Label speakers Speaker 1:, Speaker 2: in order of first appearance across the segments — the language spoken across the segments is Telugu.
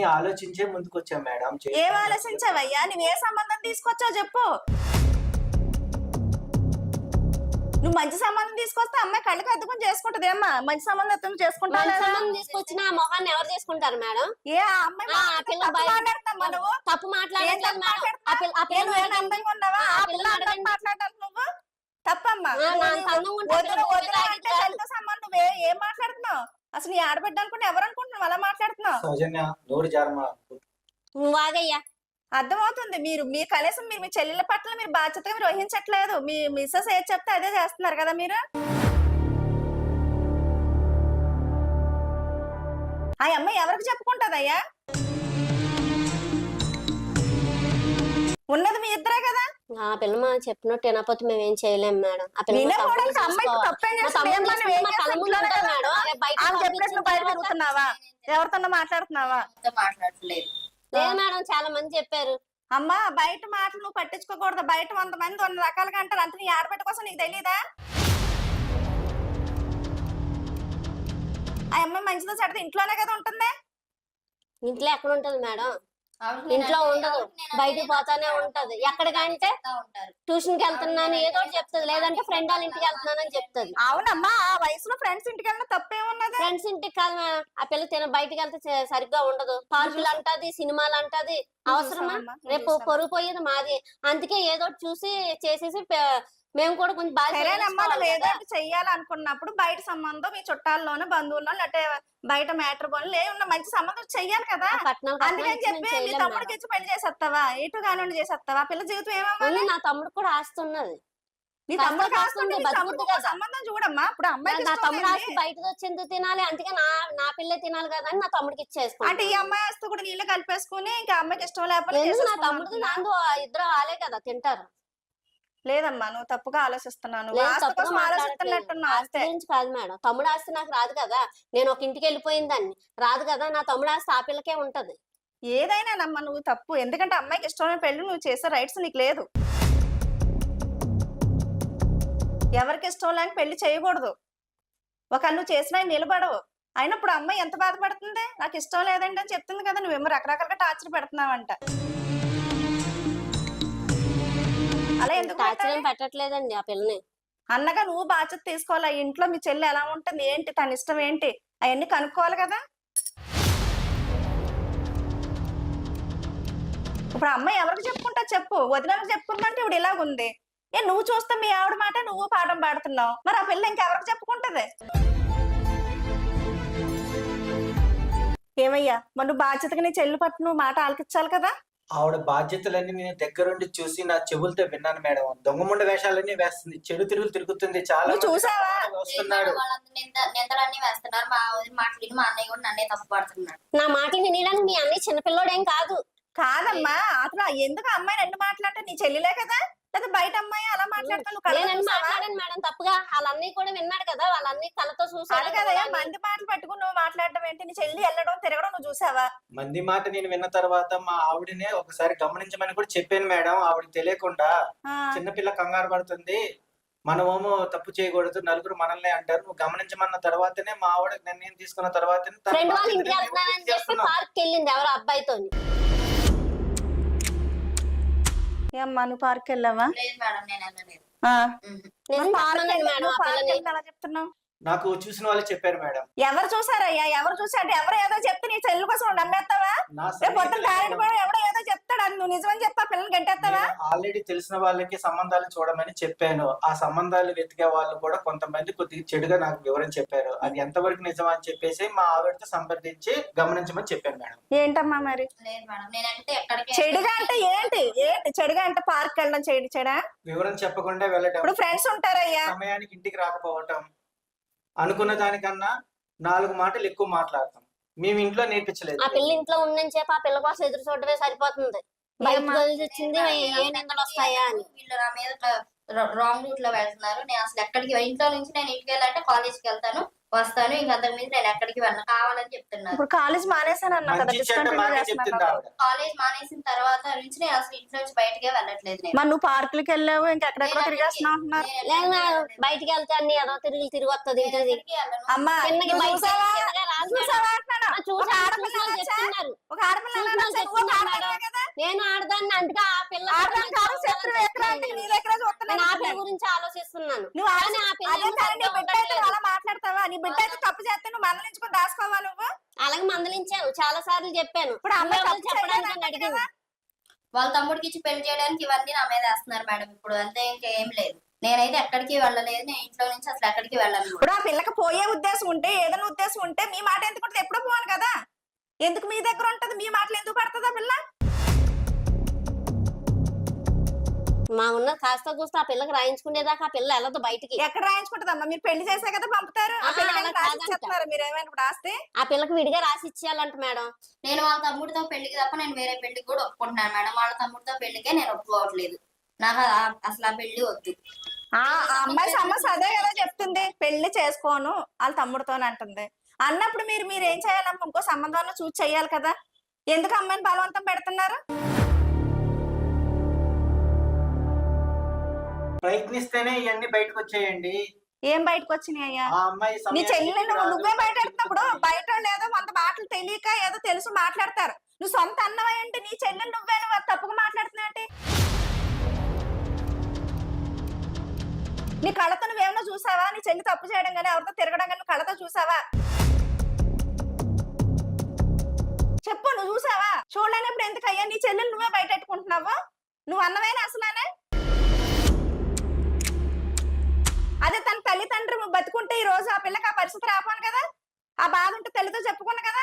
Speaker 1: ఆలోచించే ముందుకొచ్చాం మేడం.
Speaker 2: ఏం ఆలోచించావయ్యా? నువ్వు ఏ సంబంధం తీసుకొచ్చావు చెప్పు. నువ్వు మంచి సంబంధం తీసుకొస్తే అమ్మాయి కళ్ళకి అద్దుకుని చేసుకుంటది. ఏమ్మా మంచి సంబంధం ఎత్తుకుని చేసుకుంటా
Speaker 3: తీసుకొచ్చిన ఆ మొహాన్ని ఎవరు చేసుకుంటారు మేడం?
Speaker 2: ఏ అమ్మాయి మాట్లాడతామ్మా నువ్వు?
Speaker 3: తప్పు మాట్లాడతావు
Speaker 2: నువ్వు తప్పమ్మా. సంబంధం ఏం మాట్లాడుతున్నావు అసలు? నీ ఆడబిడ్డ అనుకుంటే ఎవరు అనుకుంటున్నావు అలా మాట్లాడుతున్నావు?
Speaker 3: నువ్వు ఆగయ్యా.
Speaker 2: అర్థమవుతుంది. మీ కనీసం మీరు మీ చెల్లెల పట్ల మీరు బాధ్యతగా మీరు వహించట్లేదు. మీ మిస్సెస్ ఏది చెప్తే అదే చేస్తున్నారు కదా మీరు. ఆ అమ్మాయి ఎవరికి చెప్పుకుంటదయ్యా? ఉన్నది మీ ఇద్దరే కదా.
Speaker 3: ఆ పిల్ల మా చెప్పినట్టు వినకపోతే మేమేం చేయలేము మేడం. ఆ పిల్ల
Speaker 2: తిరుగుతున్నావా? ఎవరితో మాట్లాడుతున్నావా?
Speaker 3: మాట్లాడలేదు. లేదు మేడం, చాలా మంది చెప్పారు.
Speaker 2: అమ్మా బయట మాటలు నువ్వు పట్టించుకోకూడదు. బయట 100 మంది 100 రకాలుగా అంటారు. అంత నీ ఆడబిడ్డ కోసం నీకు తెలీదా? ఆ అమ్మాయి మంచిదో చెడ్డదో ఇంట్లోనే కదా ఉంటుంది.
Speaker 3: ఇంట్లో ఎక్కడ ఉంటది మేడం? ఇంట్లో ఉండదు, బయటికి పోతానే ఉంటది. ఎక్కడికంటే ట్యూషన్ కి వెళ్తున్నాను ఏదో ఒకటి చెప్తుంది, లేదంటే ఫ్రెండ్ వాళ్ళ ఇంటికి వెళ్తున్నానని చెప్తుంది.
Speaker 2: అవునమ్మా, ఆ వయసులో ఫ్రెండ్స్ ఇంటికి వెళ్ళిన తప్పేమున్నది?
Speaker 3: ఫ్రెండ్స్ ఇంటికి కాదు మేడం, ఆ పిల్ల బయటికి వెళ్తే సరిగ్గా ఉండదు. పార్కులు అంటది, సినిమాలు అంటది. అవసరమా? రేపు పొరుగు పోయేది మాది. అందుకే ఏదో చూసి చేసేసి మేము కూడా కొంచెం
Speaker 2: బాగా చెయ్యాలనుకున్నప్పుడు బయట సంబంధం మీ చుట్టాల్లోనూ బంధువుల్లో లేకపోతే బయట మ్యాటర్ పనులు ఏమన్నా మంచి సంబంధం చెయ్యాలి కదా. అందుకని చెప్పి మీ తమ్ముడికి ఇచ్చి పెళ్లి చేసేస్తావా? ఇటు కానివ్వండి చేసేస్తావా? పిల్ల జీవితం ఏమవ్వాలి?
Speaker 3: నా తమ్ముడు కూడా ఆస్తున్నది.
Speaker 2: నీ తమ్ముడు సంబంధం చూడమ్మా. ఇప్పుడు అమ్మాయి
Speaker 3: నా తమ్ముడు ఆస్తి బయటకు వచ్చేందుకు తినాలి, అందుకే నా పిల్లే తినాలి కదా అని నా తమ్ముడికి ఇచ్చేసుకో.
Speaker 2: అంటే ఈ అమ్మాయి ఆస్తి కూడా నీళ్ళు కలిపేసుకుని ఇంకా అమ్మాయికి ఇష్టం లేకపోతే
Speaker 3: నా తమ్ముడికి నాందు ఇద్దరు వాళ్ళే కదా తింటారు.
Speaker 2: లేదమ్మా, నువ్వు తప్పుగా ఆలోచిస్తున్నాను.
Speaker 3: గురించి కాదు మేడం, తమ్ముడు ఆస్తి నాకు రాదు కదా. నేను ఒక ఇంటికి వెళ్ళిపోయిందాన్ని రాదు కదా. నా తమ్ముడు ఆస్తి ఆ పిల్లకే ఉంటది.
Speaker 2: ఏదైనా నమ్మ నువ్వు తప్పు. ఎందుకంటే అమ్మాయికి ఇష్టమైన పెళ్లి నువ్వు చేసే రైట్స్ నీకు లేదు. ఎవరికి ఇష్టం లేని పెళ్లి చేయకూడదు. ఒక నువ్వు చేసినా నిలబడవు. అయినప్పుడు అమ్మాయి ఎంత బాధపడుతుంది? నాకు ఇష్టం లేదండి అని చెప్తుంది కదా. నువ్వేమో రకరకాలుగా టార్చర్ పెడుతున్నావంట. అలా ఎందుకు
Speaker 3: పెట్టట్లేదండి ఆ పిల్లని?
Speaker 2: అన్నగా నువ్వు బాధ్యత తీసుకోవాలి. ఇంట్లో మీ చెల్లి ఎలా ఉంటుంది, ఏంటి తన ఇష్టం ఏంటి, అవన్నీ కనుక్కోవాలి కదా. ఇప్పుడు అమ్మాయి ఎవరికి చెప్పుకుంటా చెప్పు. వదినకు చెప్పుకుందంటే ఇప్పుడు ఇలాగుంది. నువ్వు చూస్తే మీ ఆవిడ మాట నువ్వు పాఠం పాడుతున్నావు. మరి ఆ పిల్ల ఇంకెవరికి చెప్పుకుంటది? ఏమయ్యా, మరి నువ్వు బాధ్యతగా నీ చెల్లి పట్టు నువ్వు మాట ఆలకించాలి కదా.
Speaker 1: ఆవిడ బాధ్యతలన్నీ నేను దగ్గరుండి చూసి నా చెవులతో విన్నాను మేడం. దొంగముండ వేషాలన్నీ వేస్తుంది, చెడు తిరుగులు తిరుగుతుంది. చాలా
Speaker 2: చూసావా?
Speaker 1: వస్తున్నాడు,
Speaker 4: నిందలన్నీ వేస్తున్నారు. మా మాటలు మా అన్నయ్య కూడా నన్నే తప్పు పడుతున్నాడు.
Speaker 3: నా మాటలు వినడానికి మీ అన్నయ్య చిన్నపిల్లోడేం కాదు.
Speaker 2: కాదమ్మా, అసలు ఎందుకు అమ్మాయి రెండు మాట్లాడితే నీ చెల్లిలే కదా, లేదా బయట అమ్మాయి అలా మాట్లాడతాను
Speaker 3: మాట్లాడాను మేడం తప్పుగా. వాళ్ళన్నీ కూడా విన్నాడు కదా, వాళ్ళన్నీ కళ్ళతో చూసాడు
Speaker 2: కదా. మంది మాటలు పట్టుకుని నువ్వు మాట్లాడడం ఏంటి? నీ చెల్లి వెళ్ళడం తిరగడం నువ్వు చూసావా?
Speaker 1: మంది మాట నేను విన్న తర్వాత మా ఆవిడనే ఒకసారి గమనించమని కూడా చెప్పాను మేడం. ఆవిడ తెలియకుండా చిన్నపిల్ల కంగారు పడుతుంది, మనమేమో తప్పు చేయకూడదు, నలుగురు మనల్ని అంటారు, నువ్వు గమనించమన్న తర్వాతనే మా ఆవిడ నిర్ణయం తీసుకున్న తర్వాతనే
Speaker 3: పార్క్ వెళ్ళింది ఎవరో అబ్బాయితో.
Speaker 2: అమ్మా నువ్వు పార్క్ వెళ్ళావా? అలా చెప్తున్నావు.
Speaker 1: నాకు చూసిన వాళ్ళు చెప్పారు మేడం.
Speaker 2: ఎవరు చూసారయ్యా? ఎవరు చూసారు? ఎవరో ఏదో చెప్తే నీ చెల్లి కోసం నమ్మేస్తావా? మొత్తం టాలెంట్ కూడా ఎవడో ఏదో చెప్తాడు అని నువ్వు నిజమని చెప్పా పిల్లల్ని గంటేస్తావా?
Speaker 1: ఆల్రెడీ తెలిసిన వాళ్ళకి సంబంధాలు చూడమని చెప్పాను. ఆ సంబంధాలు వెతికే వాళ్ళు కూడా కొంతమంది కొద్దిగా చెడుగా నాకు వివరం చెప్పారు. అది ఎంతవరకు నిజం అని చెప్పేసి మా ఆవిడతో సంప్రదించి గమనించమని చెప్పాను మేడం.
Speaker 2: ఏంటమ్మా మరి చెడుగా అంటే ఏంటి? ఏంటి చెడుగా అంటే పార్క్ వెళ్ళడం చెడా?
Speaker 1: వివరం చెప్పకుండా వెళ్ళటం,
Speaker 2: ఇప్పుడు ఫ్రెండ్స్ ఉంటారయ్యా,
Speaker 1: సమయానికి ఇంటికి రాకపోవటం, అనుకున్న దానికన్నా 4 మాటలు ఎక్కువ మాట్లాడతాం. మేము ఇంట్లో నేర్పించలేదు.
Speaker 3: ఆ పిల్ల ఇంట్లో ఉందని చెప్పి ఆ పిల్ల కోసం ఎదురు చూడటమే సరిపోతుంది. బయటకు వదిలిచ్చింది ఏ నిందలు వస్తాయా అని.
Speaker 4: వీళ్ళు నా మీద రాంగ్ రూట్ లో వెళ్తున్నారు. నేను అసలు ఎక్కడికి ఇంట్లో నుంచి నేను ఇంటికి వెళ్ళాలంటే కాలేజ్కి వెళ్తాను, వస్తాను. ఇంకా అంతకు మీద నేను ఎక్కడికి వెళ్ళను, కావాలని చెప్తున్నారు.
Speaker 2: ఇప్పుడు కాలేజ్ మానేసాను అన్నా కదా,
Speaker 1: మంచి చెడ్డ
Speaker 2: డిస్కంటిన్యూ
Speaker 1: మాకే
Speaker 2: చేస్తున్నాను
Speaker 1: చెప్తుంది
Speaker 2: అన్నావు.
Speaker 1: ఆవిడ.
Speaker 4: కాలేజ్ మానేసిన తర్వాత నుంచి నేను అసలు ఇంట్లో నుంచి బయటకే వెళ్ళట్లేదు. నేను
Speaker 2: మరి నువ్వు పార్కులకి వెళ్ళావు, ఇంకెక్కడెక్కడో తిరిగేస్తున్నావు అంటున్నారు.
Speaker 3: లేదు మేడం, బయటికి వెళ్తే అన్ని ఏదో తిరిగి వస్తుంది ఇంటికి.
Speaker 4: ఎక్కడికి వెళ్ళను.
Speaker 2: అమ్మా
Speaker 3: కిందకి
Speaker 2: నువ్వు
Speaker 3: బయటికి
Speaker 2: చూసావా?
Speaker 3: కిందగా రాదు మేడం.
Speaker 2: చూసావా అంటున్నాను.
Speaker 3: ఆ, చూసాను,
Speaker 2: ఒక ఆడపిల్ల
Speaker 3: చూసాను
Speaker 2: అనొచ్చా?
Speaker 3: చెప్తున్నారు.
Speaker 2: ఒక ఆడపిల్ల
Speaker 3: చూసాను
Speaker 2: అనొచ్చా? నువ్వు ఒక
Speaker 3: చెప్తున్నారు
Speaker 2: ఆడపిల్లవే
Speaker 3: మేడం.
Speaker 2: కదా.
Speaker 3: నేను ఆడదాన్ని అంటే ఆ పిల్ల
Speaker 2: ఆడదాని కాదు, శత్రువు ఎక్కడ అంటే నీ దగ్గర
Speaker 3: నేను ఆ పిల్ల
Speaker 2: చూస్తున్నాను.
Speaker 3: గురించి ఆలోచిస్తున్నాను.
Speaker 2: నువ్వు
Speaker 3: కానీ ఆ పిల్ల
Speaker 2: అదే
Speaker 3: ఏమో
Speaker 2: కానీ నీ
Speaker 3: సరిగ్గా
Speaker 2: బిడ్డ అయితే
Speaker 3: ఉండట్లేదు.
Speaker 2: అలా మాట్లాడతావా? నీ బిడ్డ అయితే తప్పు చేస్తే నువ్వు మందలించుకొని దాచుకోవా నువ్వు?
Speaker 3: అలాగే మందలించాను, చాలా సార్లు చెప్పాను.
Speaker 2: ఇప్పుడు అమ్మాయి
Speaker 3: నువ్వెవరు
Speaker 2: తప్పు
Speaker 3: చెప్పడానికి
Speaker 2: చేయలేదంట
Speaker 3: నన్ను అడిగింది.
Speaker 2: కదా.
Speaker 4: వాళ్ళ తమ్ముడికి ఇచ్చి పెళ్లి చేయడానికి ఇవన్నీ నా మీద వేస్తున్నారు మేడం. ఇప్పుడు అంతే, ఇంకేం లేదు. నేనైతే ఎక్కడికి వెళ్ళలేదు. నేను ఇంట్లో నుంచి అసలు ఎక్కడికి వెళ్ళను.
Speaker 2: ఇప్పుడు ఆ పిల్లకి పోయే ఉద్దేశం ఉంటే, ఏదైనా ఉద్దేశం ఉంటే మీ మాట ఎందుకు ఉంటుంది? ఎప్పుడో పోను కదా, ఎందుకు మీ దగ్గర ఉంటది? మీ మాటలు ఎందుకు పడుతుందా పిల్ల?
Speaker 3: మా ఉన్న కాస్త కూస్త ఆ పిల్లకి రాయించుకునేదాకా ఆ పిల్ల వెళ్ళదు బయటికి.
Speaker 2: ఎక్కడ రాయించుకుంటదమ్మా? మీరు పెళ్లి చేసే కదా పంపుతారు. ఆ
Speaker 3: ఆహా,
Speaker 2: పిల్లకి
Speaker 3: అలా
Speaker 2: రాసి
Speaker 3: కాదంట.
Speaker 2: ఇచ్చేస్తున్నారు మీరు ఏమైనా ఇప్పుడు ఆస్తి?
Speaker 3: ఆ పిల్లకి విడిగా రాసి ఇచ్చేయాలంట మేడం.
Speaker 4: నేను వాళ్ళ తమ్ముడితో పెళ్లికి తప్ప నేను వేరే పెళ్లికి కూడా ఒప్పుకుంటున్నాను మేడం. వాళ్ళ తమ్ముడితో పెళ్లికే నేను ఒప్పుకోవట్లేదు. నాకు అసలు ఆ పెళ్లి వద్దు.
Speaker 2: ఆ అమ్మాయి సమస్య అదే కదా చెప్తుంది, పెళ్లి చేసుకోను వాళ్ళ తమ్ముడితోనే అంటుంది. అన్నప్పుడు మీరు ఏం చేయాలమ్మా? ఇంకో సంబంధంలో చూసి చెయ్యాలి కదా. ఎందుకు అమ్మాయిని బలవంతం పెడుతున్నారు?
Speaker 1: ప్రయత్నిస్తేనే ఇవన్నీ బయటకు వచ్చాయండి.
Speaker 2: ఏం బయటకు వచ్చినాయి అయ్యా?
Speaker 1: ఆ అమ్మాయి
Speaker 2: నీ
Speaker 1: సమయానికి
Speaker 2: చెల్లెలు
Speaker 1: రాదు.
Speaker 2: నువ్వే బయట ఎడుతున్నప్పుడు బయట వాళ్ళు ఏదో వంద మాటలు తెలియక ఏదో తెలుసు మాట్లాడతారు. నువ్వు సొంత అన్నమయ్యంటే నీ చెల్లెలు నువ్వే తప్పుగా మాట్లాడుతున్నావు. నీ కళ్ళతో నువ్వేమన్నా చూసావా? నీ చెల్లి తప్పు చేయడం కానీ ఎవరితో తిరగడం కానీ కళ్ళతో చూసావా? చెప్పు, నువ్వు చూసావా? చూడలేనప్పుడు ఎందుకు అయ్యా నీ చెల్లెలు నువ్వే బయట పెట్టుకుంటున్నావు? నువ్వు అన్నవేనా అసలానే? అదే తన తల్లిదండ్రులు బతుకుంటే ఈ రోజు ఆ పిల్లకి ఆ పరిస్థితి రాపాను కదా. ఆ బాధ ఉంటే తల్లితో చెప్పుకున్నా కదా.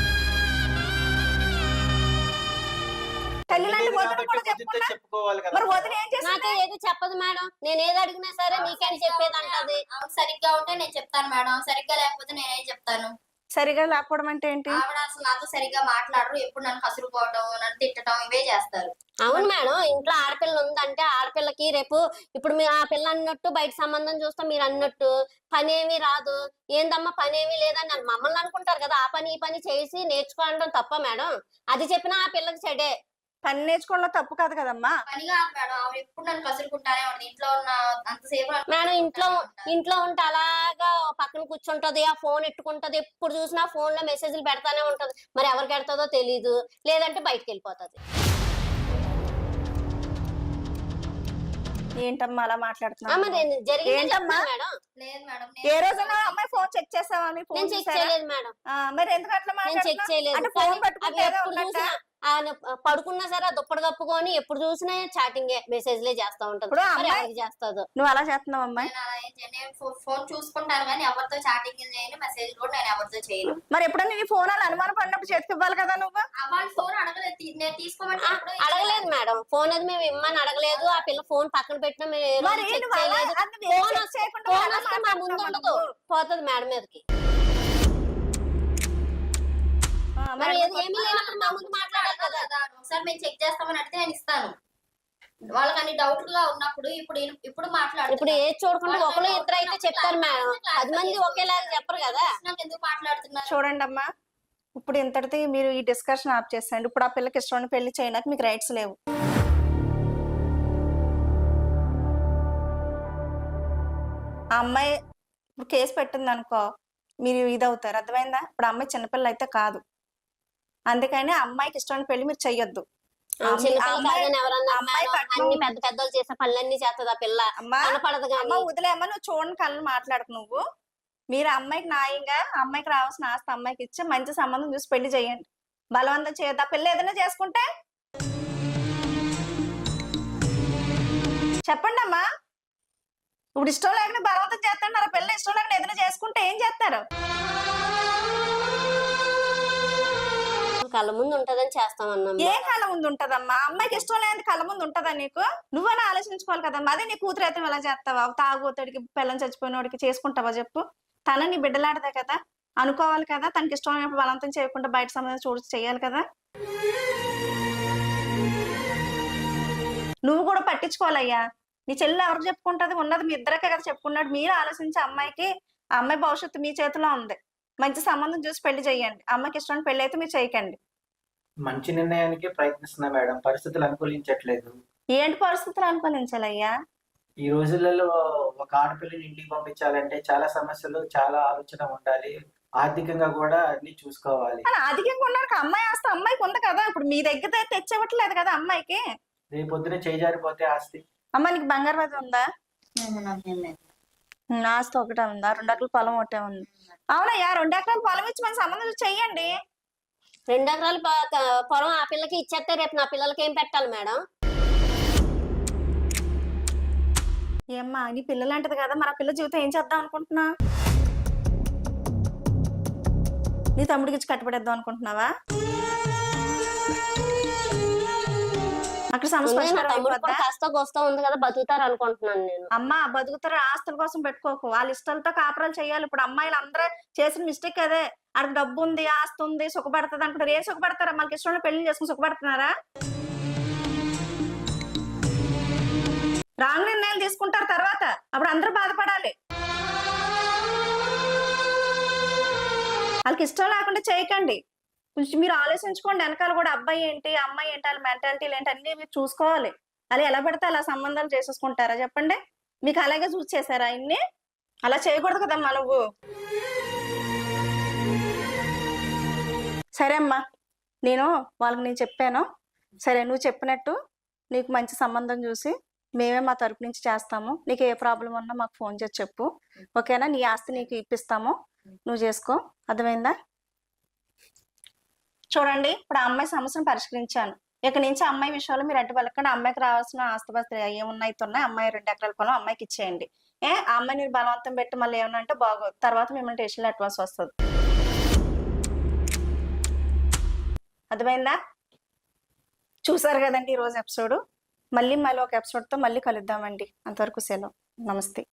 Speaker 2: తల్లిలాంటి వదిన కూడా చెప్పుకున్నా.
Speaker 1: చెప్పుకోవాలి కదా.
Speaker 2: మరి వదిన ఏం చేసింది?
Speaker 3: నాకే ఏది చెప్పదు మేడం. నేను ఏది అడిగినా సరే నీకని చెప్పేది అంటది.
Speaker 4: ఆమె సరిగ్గా ఉంటే నేను చెప్తాను మేడం, ఆమె సరిగ్గా లేకపోతే నేనేం చెప్తాను.
Speaker 2: సరిగా లేకపోవడం అంటే ఏంటి?
Speaker 4: ఆవిడ అసలు నాతో సరిగ్గా మాట్లాడరు. ఎప్పుడు నన్ను కసురుకోవటం, నన్ను తిట్టడం ఇవే చేస్తారు.
Speaker 3: అవును మేడం, ఇంట్లో ఆడపిల్ల ఉందంటే ఆడపిల్లకి రేపు ఇప్పుడు మీరు ఆ పిల్ల అన్నట్టు బయట సంబంధం చూస్తే మీరు అన్నట్టు పని ఏమీ రాదు, ఏందమ్మా పని ఏమీ లేదని మమ్మల్ని అనుకుంటారు కదా. ఆ పని ఈ పని చేసి నేర్చుకోవడం తప్ప మేడం? అది చెప్పినా ఆ పిల్లకి చెడే.
Speaker 2: పని నేర్చుకోవడంలో తప్పు కాదు కదమ్మా.
Speaker 4: పని కాదు మేడం, ఆవిడ ఎప్పుడు నన్ను కసురుకుంటానే ఉంటుంది. ఇంట్లో ఉన్న అంతసేపు నన్ను
Speaker 3: మేడం
Speaker 4: కసురుకుంటానే
Speaker 3: ఇంట్లో ఉంటే అలాగా పక్కన కూర్చుంటది, ఆ ఫోన్ ఎట్టుకుంటది, ఎప్పుడు చూసినా ఫోన్ లో మెసేజ్లు పెడతానే ఉంటది. మరి ఎవరికి పెడతాదో తెలీదు, లేదంటే బయటకు వెళ్ళిపోతుంది.
Speaker 2: ఏంటమ్మా అలా మాట్లాడుతున్నావు?
Speaker 3: మరి జరిగింది
Speaker 2: ఏంటమ్మా?
Speaker 3: మేడం.
Speaker 4: లేదు మేడం.
Speaker 2: ఏ రోజైనా అమ్మాయి ఫోన్ చెక్ చేసావా? నీ ఫోన్
Speaker 3: నేను చెక్
Speaker 2: చూసారా?
Speaker 3: చేయలేదు మేడం.
Speaker 2: మరి ఎందుకు అట్లా
Speaker 3: నేను చెక్
Speaker 2: మాట్లాడుతున్నావు?
Speaker 3: చేయలేదు.
Speaker 2: అంటే ఫోన్
Speaker 3: కానీ
Speaker 2: పట్టుకుంటే
Speaker 3: అవి
Speaker 2: ఏదో
Speaker 3: ఎప్పుడు
Speaker 2: ఉన్నట్టా?
Speaker 3: చూసినా ఆయన పడుకున్నా సరే ఆ దుప్పటి కప్పుకొని ఎప్పుడు చూసినా చాటింగ్ మెసేజ్లే చేస్తా ఉంటది.
Speaker 2: ఇప్పుడు
Speaker 3: మరి
Speaker 2: అమ్మాయి
Speaker 3: ఎవరికి చేస్తాదో.
Speaker 2: నువ్వు అలా చేస్తున్నావు అమ్మాయి?
Speaker 4: నేను అలా ఏం చేయను. నేను ఫోన్ చూసుకుంటాను కానీ ఎవరితో చాటింగ్ చేయను, మెసేజ్ కూడా నేను ఎవరితో చేయను.
Speaker 2: మరి ఎప్పుడైనా నీ ఫోన్ అలా అనుమానం పడినప్పుడు చేతికి ఇవ్వాలి కదా నువ్వు.
Speaker 4: వాళ్ళ ఫోన్ అడగలేదు, నేను తీసుకోమంటే ఎప్పుడో
Speaker 3: అడగలేదు మేడం, ఫోన్ అది మేము ఇమ్మని అడగలేదు. ఆ పిల్ల ఫోన్ పక్కన పెట్టినా మేము ఏ రోజు
Speaker 2: మరి
Speaker 3: చెక్
Speaker 2: నువ్వు అలా
Speaker 3: చేయలేదు.
Speaker 2: అది వేరే
Speaker 3: ఫోన్
Speaker 2: check
Speaker 3: వస్తే
Speaker 2: చేయకుండా
Speaker 3: ఫోన్
Speaker 2: ఎలా
Speaker 3: వస్తే మా ముందు
Speaker 2: మాట్లాడుతున్నావు
Speaker 3: ఉండదు,
Speaker 2: నువ్వు?
Speaker 3: పోతుంది మేడం మీదకి. మరి ఏమీ లేనప్పుడు మా ముందు మాట్లాడాలి కదా.
Speaker 4: ఒకసారి మేము చెక్ చేస్తామని అడిగితే నేను ఇస్తాను. వాళ్ళకి అన్ని డౌట్ గా ఉన్నప్పుడు ఇప్పుడు మాట్లాడు.
Speaker 3: ఇప్పుడు ఏది చూడకుండా ఒకరు ఇద్దరు అయితే చెప్తారు మేడం, 10 మంది ఒకేలాగా చెప్పరు కదా.
Speaker 4: ఎందుకు మాట్లాడుతున్నారు?
Speaker 2: చూడండి అమ్మా, ఇప్పుడు ఇంతటితో మీరు ఈ డిస్కషన్ ఆప్ చేసేయండి. ఇప్పుడు ఆ పిల్లకి ఇష్టమైన పెళ్లి చేయడానికి మీకు రైట్స్ లేవు. ఆ అమ్మాయి ఇప్పుడు కేసు పెట్టింది అనుకో, మీరు ఇదవుతారు. అర్థమైందా? ఇప్పుడు అమ్మాయి చిన్నపిల్ల అయితే కాదు, అందుకని ఆ అమ్మాయికి ఇష్టమైన పెళ్లి మీరు చెయ్యొద్దు.
Speaker 3: అమ్మాయి అన్ని పెద్ద పెద్దలు చేసే పనులన్నీ చేస్తుంది ఆ పిల్ల.
Speaker 2: అమ్మా
Speaker 3: కనపడదు
Speaker 2: అమ్మ వదిలేమ్మా, నువ్వు చూడని కళ్ళని మాట్లాడకు నువ్వు. మీరు అమ్మాయికి న్యాయంగా అమ్మాయికి రావాల్సిన ఆస్తి అమ్మాయికి ఇచ్చి మంచి సంబంధం చూసి పెళ్లి చేయండి. బలవంతం చేయొద్దు. ఆ పిల్ల ఏదైనా చేసుకుంటే చెప్పండి అమ్మా. ఇప్పుడు ఇష్టం లేకుండా బలవంతం చేస్తున్నారు. పిల్ల ఇష్టం లేకుండా ఏదైనా చేసుకుంటే ఏం చేస్తారు?
Speaker 3: కళ్ళ ముందు ఉంటదని చేస్తామన్నా.
Speaker 2: ఏ కళ్ళ ముందు ఉంటదమ్మా? అమ్మాయికి ఇష్టం లేని కళ్ళ ముందు ఉంటదా నీకు? నువ్వైనా ఆలోచించుకోవాలి కదమ్మా. అదే నీ కూతురు అయితే ఎలా చేస్తావా? తాగుబోతుడికి పిల్లని చచ్చిపోయినోడికి చేసుకుంటావా చెప్పు? తన నీ బిడ్డలాడదే కదా, అనుకోవాలి కదా. తనకి ఇష్టం లేనప్పుడు బలవంతం చేయకుండా బయట సంబంధం చూసి చెయ్యాలి కదా. నువ్వు కూడా పట్టించుకోవాలయ్యా. నీ చెల్లి ఎవరికి చెప్పుకుంటది? ఉన్నది మీ ఇద్దరికే కదా చెప్పుకున్నాడు. మీరు ఆలోచించి అమ్మాయికి, ఆ అమ్మాయి భవిష్యత్తు మీ చేతిలో ఉంది. మంచి సంబంధం చూసి పెళ్లి చేయండి. అమ్మాయికి ఇష్టం పెళ్లి అయితే మీరు చేయకండి.
Speaker 1: మంచి నిర్ణయానికి ప్రయత్నిస్తున్నా మేడం, పరిస్థితులు అనుకూలించట్లేదు.
Speaker 2: ఏంటి పరిస్థితులు అనుకూలించాలయ్యా?
Speaker 1: ఈ రోజులలో ఒక ఆడపిల్లని ఇంటికి పంపించాలంటే చాలా సమస్యలు, చాలా ఆలోచన ఉండాలి. ఆర్థికంగా కూడా అన్ని చూసుకోవాలి.
Speaker 2: కానీ అధికంగా ఉన్నాడు. అమ్మాయి ఆస్తి అమ్మాయికి ఉంది కదా. ఇప్పుడు మీ దగ్గర తెచ్చివ్వట్లేదు కదా అమ్మాయికి.
Speaker 1: రేపు పొద్దున చేజారిపోతే ఆస్తి.
Speaker 2: అమ్మ నీకు బంగారు అది ఉందా?
Speaker 4: నాకేం లేదు.
Speaker 2: ఆస్తి ఒకటే ఉందా? 2 ఎకరాల పొలం ఒకటే ఉంది. అవునయ్యా, 2 ఎకరాల పొలం ఇచ్చి మన సంబంధం చెయ్యండి.
Speaker 3: 2 ఎకరాల పొలం ఆ పిల్లకి ఇచ్చేస్తే రేపు నా పిల్లలకి ఏం పెట్టాలి మేడం?
Speaker 2: ఏమ్మా నీ పిల్లలు అంటది కదా, మన పిల్ల జీవితం ఏం చేద్దాం అనుకుంటున్నా? నీ తమ్ముడికి ఇచ్చి కట్టుబడేద్దాం అనుకుంటున్నావా? అక్కడ సమస్య
Speaker 3: కాస్త కోస్తా ఉంది కదా, బతుకుతారు అనుకుంటున్నాను నేను.
Speaker 2: అమ్మా బతుకుతారు, ఆస్తుల కోసం పెట్టుకోకు. వాళ్ళ ఇష్టాలతో కాపురాలు చేయాలి. ఇప్పుడు అమ్మాయిలు అందరూ చేసిన మిస్టేక్ అదే. అక్కడ డబ్బు ఉంది, ఆస్తి ఉంది, సుఖపడుతుంది అనుకుంటారు. ఏం సుఖపడతారా? మనకి ఇష్టం పెళ్లి చేసుకుని సుఖపడుతున్నారా? రాంగ్ నిర్ణయాలు తీసుకుంటారు తర్వాత, అప్పుడు అందరూ బాధపడాలి. వాళ్ళకి ఇష్టం లేకుండా చేయకండి. కొంచెం మీరు ఆలోచించుకోండి. వెనకాల కూడా అబ్బాయి ఏంటి, అమ్మాయి ఏంటి, వాళ్ళ మెంటాలిటీలు ఏంటి అన్ని మీరు చూసుకోవాలి. అలా ఎలా పడితే అలా సంబంధాలు చేసేసుకుంటారా చెప్పండి? మీకు అలాగే చూసి చేశారా ఇన్ని? అలా చేయకూడదు కదమ్మా నువ్వు. సరే అమ్మా, నేను చెప్పాను. సరే నువ్వు చెప్పినట్టు నీకు మంచి సంబంధం చూసి మేమే మా తరపు నుంచి చేస్తాము. నీకు ఏ ప్రాబ్లం ఉన్నా మాకు ఫోన్ చేసి చెప్పు, ఓకేనా? నీ ఆస్తి నీకు ఇప్పిస్తాము, నువ్వు చేసుకో. అర్థమైందా? చూడండి, ఇప్పుడు ఆ అమ్మాయి సమస్యను పరిష్కరించాను. ఇక నుంచి అమ్మాయి విషయాలు మీరు అడ్డు పలకండి. అమ్మాయికి రావాల్సిన ఆస్తిపాస్తులు ఏమున్నాయితున్నాయి, అమ్మాయి 2 ఎకరాల పొలం అమ్మాయికి ఇచ్చేయండి. ఆ అమ్మాయి మీరు బలవంతం పెట్టి మళ్ళీ ఏమన్నా అంటే బాగోదు. తర్వాత మిమ్మల్ని స్టేషన్లో అడ్వాన్స్ వస్తుంది. అర్థమైందా? చూసారు కదండి ఈరోజు ఎపిసోడ్. మళ్ళీ ఒక ఎపిసోడ్తో మళ్ళీ కలుద్దామండి. అంతవరకు సెలవు. నమస్తే.